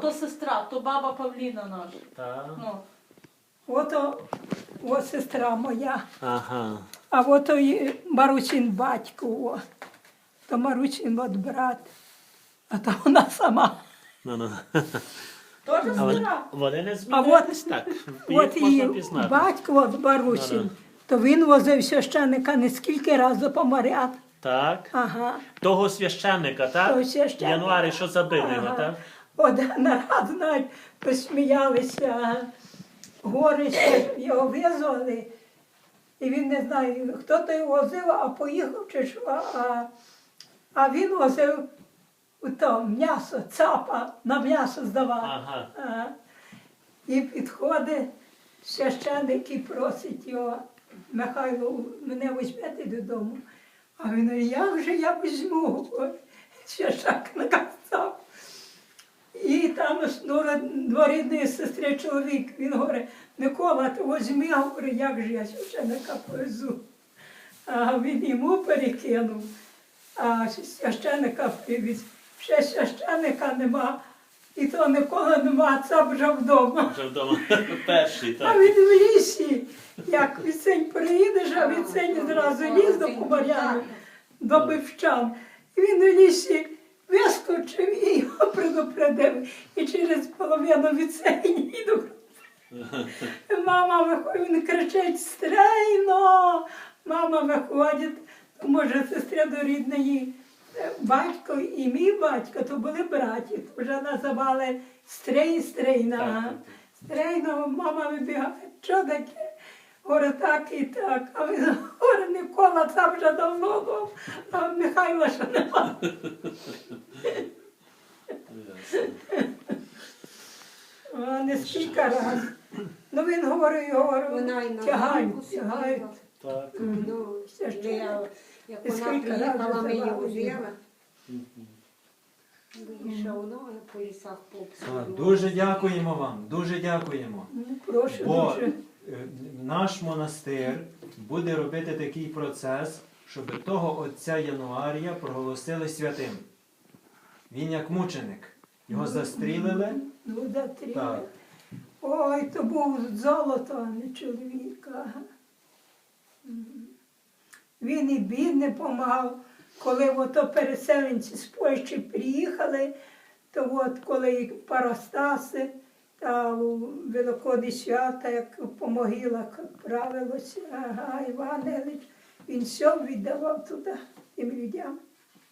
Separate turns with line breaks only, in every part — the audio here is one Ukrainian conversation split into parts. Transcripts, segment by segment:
то сестра, то баба Павліна наша.
Так.
Ну.
Ото сестра моя.
Ага.
А ото і Маручин батько. То Маручин от брат. А то вона сама.
Ну.
Теж
А
сестра.
вони не
А
змінились так.
От
Їх можна
і
пізнати.
батько от Маручин, то він возив священика не скільки разів помаряд.
Так.
Ага.
Того священника, так?
Того священника.
Януарі, що забили його,
Ага.
так?
Один раз, навіть, посміялися, горище його визвали, і він не знає, хто то його возив, а поїхав чи що, а він возив то м'ясо, цапа, на м'ясо здавав.
Ага.
І підходить священник і просить його: Михайло, мене візьмете додому. А він говорить: як же я візьму? Священник казав. І там дворідної сестри чоловік, він говорить: Микола, ти візьми, говорить, як же я священника повезу. А він йому перекинув, а священника привіз. Ще священника нема, і то Микола нема, це вже вдома.
Вже вдома перший,
А
так.
він в лісі, як Віцень приїдеш, а Віцень зразу ліз до Кубаряни, до Бивчан. І він в лісі вискочив і його предупредив. І через половину Віцень йду. Мама виходить, він кричить: стрейно! Мама виходить, то може сестра до рідної. Батько і мій батько, то були браті, то вже називали Стрей, Стрейна. Стрейна, мама вибігає: що таке? Говорить, так і так. А він говорить: Микола, це вже давно був, а Михайла ще нема. Не скільки разів. Ну він говорив,
Вона й на
тягають,
ганку
тягають.
сиділа.
Так.
Ну,
Все ж
як
І
вона
скільки
приїхала,
разів
ми її
давали
взяли. Вийшов, ну, по лісах
А,
попсу.
Дуже дякуємо вам, дуже дякуємо.
Ну, прошу
Бо
дуже.
наш монастир буде робити такий процес, щоб того отця Януарія проголосили святим. Він як мученик. Його застрілили.
Ну, да, три.
Так.
Ой, то був золото, а не чоловік. Ага. Він і бідний помагав. Коли ото переселенці з Польщі приїхали, то от коли паростаси та у Великодні свята, як по могилах правилося, ага, Іван Ілліч, він все віддавав туди, тим людям.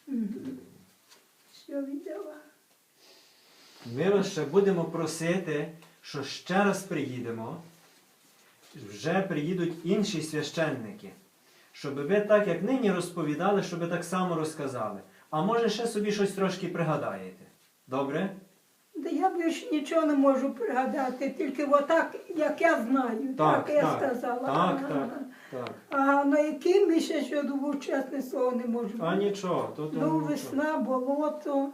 Все віддавав.
Ми вас ще будемо просити, що ще раз приїдемо, вже приїдуть інші священники, щоб ви так, як нині розповідали, щоб ви так само розказали. А може ще собі щось трошки пригадаєте. Добре?
Да я більше нічого не можу пригадати, тільки отак, як я знаю, так я сказала.
Так,
Ага.
так.
А на який місяць я думаю, чесне слово, не можу.
А нічого, то
Ну,
нічого.
весна, болото.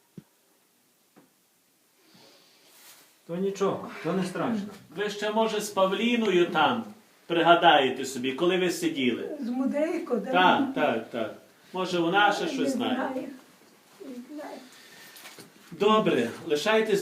То нічого, то не страшно.
Ви ще, може, з Павліною там пригадаєте собі, коли ви сиділи.
З Мудрейко, да?
Так. Може, вона ще
Не
щось знає.
знаю. Не знаю.
Добре, лишайтесь